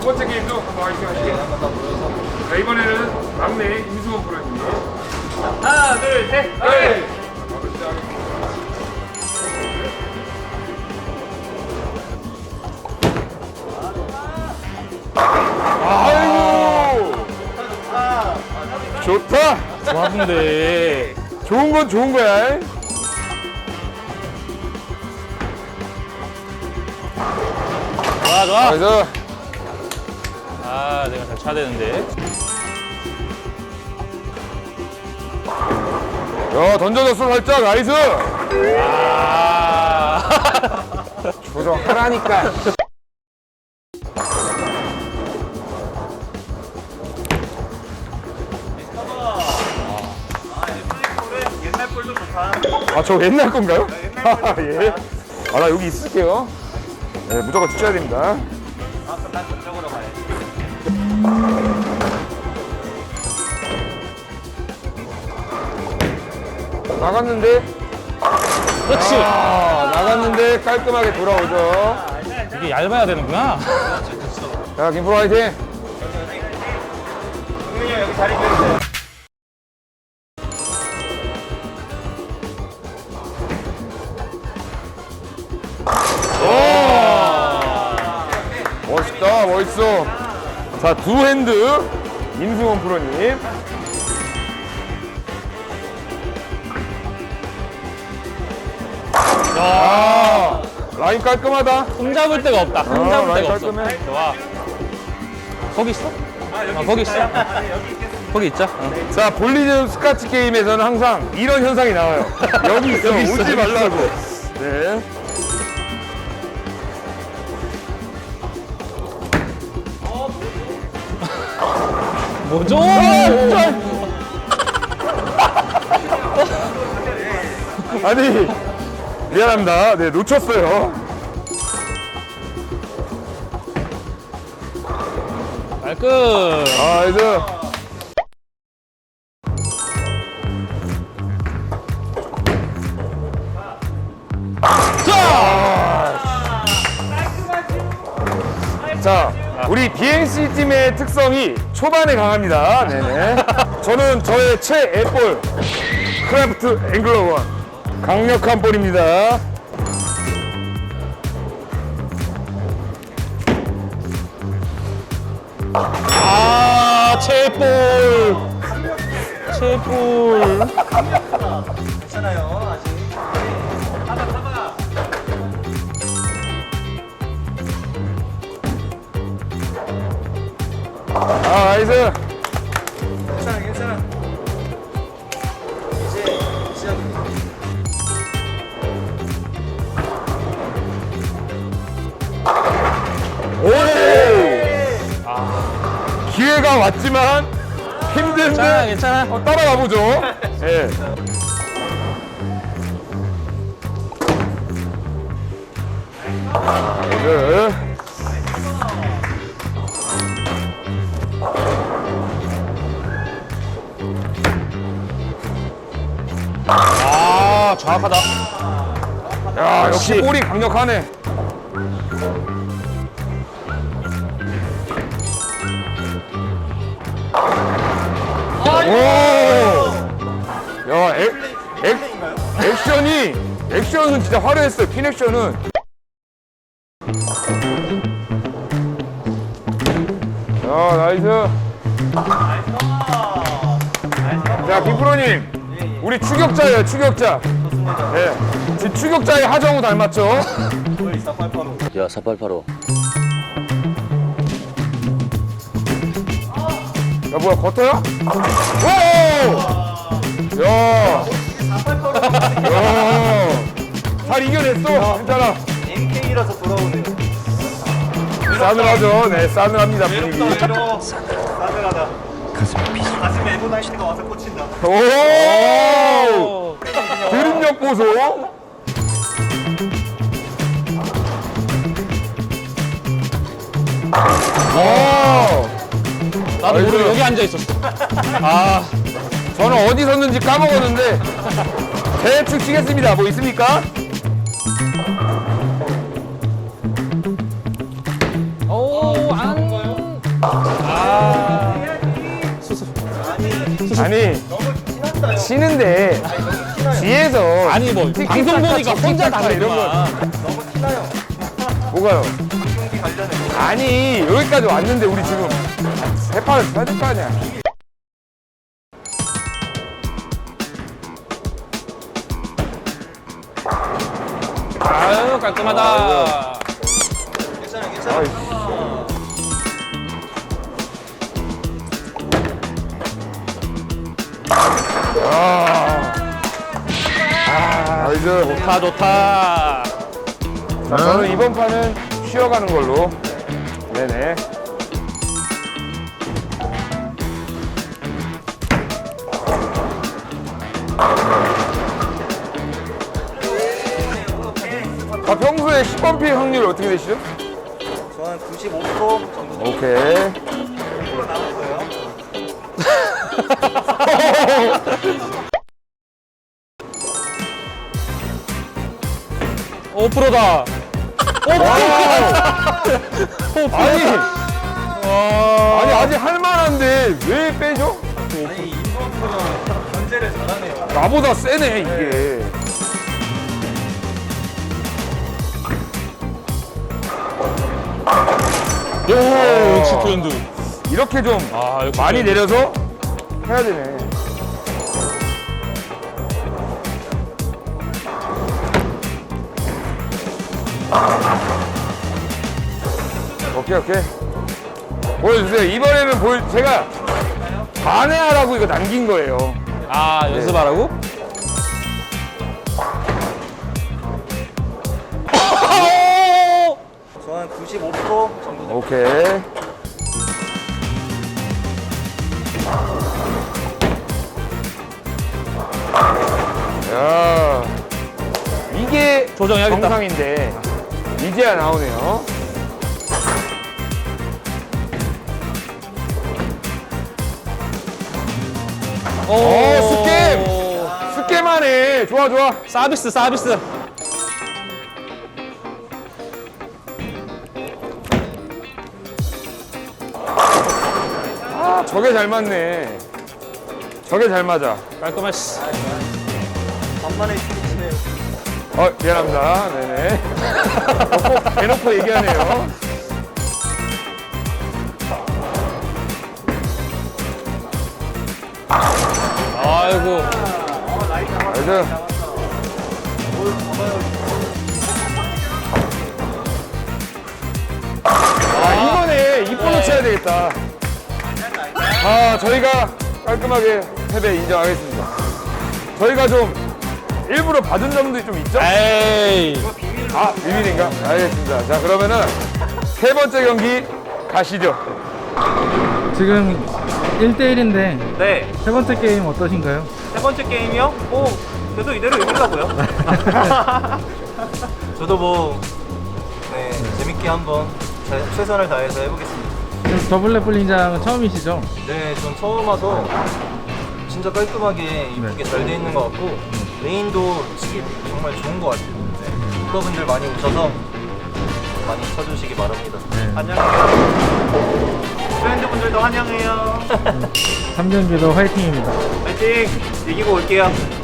두 번째 게임도 한번 화이팅 하시죠. 자, 이번에는 막내 임수원 프로님. 하나, 둘, 셋. 네. 아이고. 좋다. 좋았는데. 좋은 건 좋은 거야. 좋아, 좋아. 그래서 아, 내가 잘 쳐야 되는데. 야, 던져줬어 살짝. 나이스. 아. 조정하라니까. 옛날 볼도 좋다. 아, 저 옛날 건가요? 아, 예. 아, 나 여기 있을게요. 네, 무조건 치셔야 됩니다. 아, 그럼 난 저쪽으로 가야지. 나갔는데? 그렇지. 아, 나갔는데 깔끔하게 돌아오죠. 이게 얇아야 되는구나. 자, 김프로 화이팅! 동민이 형 여기 자리 비워주세요. 멋있다, 멋있어. 자, 두 핸드 임승원 프로님. 아, 라인 깔끔하다. 손 잡을 데가 없다. 손 잡을 라인 데가 없어. 깔끔해. 좋아. 거기 있어? 거기 있어. 거기 있자. 자, 볼리즘 스카치 게임에서는 항상 이런 현상이 나와요. 여기 있어, 여기 있어, 오지 여기 말라고. 네. 뭐죠? 아니, 미안합니다. 네, 놓쳤어요. 깔끔. 아, 이제. 자, 우리 BNC 팀의 특성이 초반에 강합니다. 네네. 저는 저의 최애볼 크래프트 앵글러 1 강력한 볼입니다. 아, 체볼. 체볼. 괜찮아요 아직. 아, 나이스. 괜찮아 괜찮아. 이제 시작입니다. 오! 기회가 왔지만 힘든데 괜찮아, 괜찮아. 따라가 보죠. 예. 네. 아, 정확하다. 야, 역시 볼이 강력하네. 오! 야, 액션은 진짜 화려했어요. 핀 액션은. 야, 나이스. 자, 김프로님. 우리 추격자예요, 추격자. 네. 지금 추격자의 하정우 닮았죠? 야, 4885. 야, 뭐야, 겉어야? 오! 야! 야! 잘 이겨냈어. 괜찮아. MK라서 돌아오네요. 싸늘하죠? 네, 싸늘합니다, 분위기. 싸늘하다. 가슴에 에보나이트가 와서 꽂힌다. 오! 드립력 보소. 나도 아이고. 모르게 여기 앉아 있었어. 아, 저는 어디 섰는지 까먹었는데 대충 치겠습니다. 뭐 있습니까? 오, 안. 아니 치는데 뒤에서 아니 뭐 방송 보니까 혼자 다 이런 거 너무 티나요. 뭐가요? 경기 관련해. 아니 여기까지 왔는데 우리 지금 세 판을 쳐야 될 거 아니야. 아유 깔끔하다. 괜찮아. 아이, 이제 좋다 좋다. 자, 저는 이번 판은 쉬어가는 걸로. 네네. 평소에 10번 피해 확률 어떻게 되시죠? 저는 95% 정도 오케이. 남았어요. 오 프로다. 아니 아직 할만한데 왜 빼죠? 아니 인버프가 견제를 잘하네요. 나보다 세네 이게. 요 역시 트렌드. 이렇게 좀 아 역시 많이 트렌드. 내려서 해야 되네. 오케이. 보여주세요. 이번에는 제가 반해하라고 이거 남긴 거예요. 아 연습하라고? 저는 95% 정도 오케이. 야, 이게 조정해야겠다. 정상인데 이제야 나오네요. 스캠하네. 좋아. 서비스. 아, 저게 잘 맞네. 저게 잘 맞아. 깔끔하시. 간만에 치네요. 미안합니다. 네네. 꼭 대놓고 얘기하네요. 아이고. 그래서 이번에 이번호 쳐야 되겠다. 저희가 깔끔하게 패배 인정하겠습니다. 저희가 좀 일부러 받은 점도 좀 있죠? 에이. 비밀인가? 알겠습니다. 자, 그러면은 세 번째 경기 가시죠. 지금 1대1인데 네. 세 번째 게임 어떠신가요? 세 번째 게임이요? 계속 이대로 이기려고요. 저도 재밌게 한번 최선을 다해서 해보겠습니다. 지금 더블 래플링장은 처음이시죠? 네, 전 처음 와서 진짜 깔끔하게 이쁘게 잘 돼 있는 것 같고 레인도 치기 정말 좋은 것 같아요. 네. 프로분들 많이 오셔서 많이 쳐주시기 바랍니다. 네. 환영해요. 프렌드분들도 환영해요. 3경기도 화이팅입니다. 파이팅! 이기고 올게요.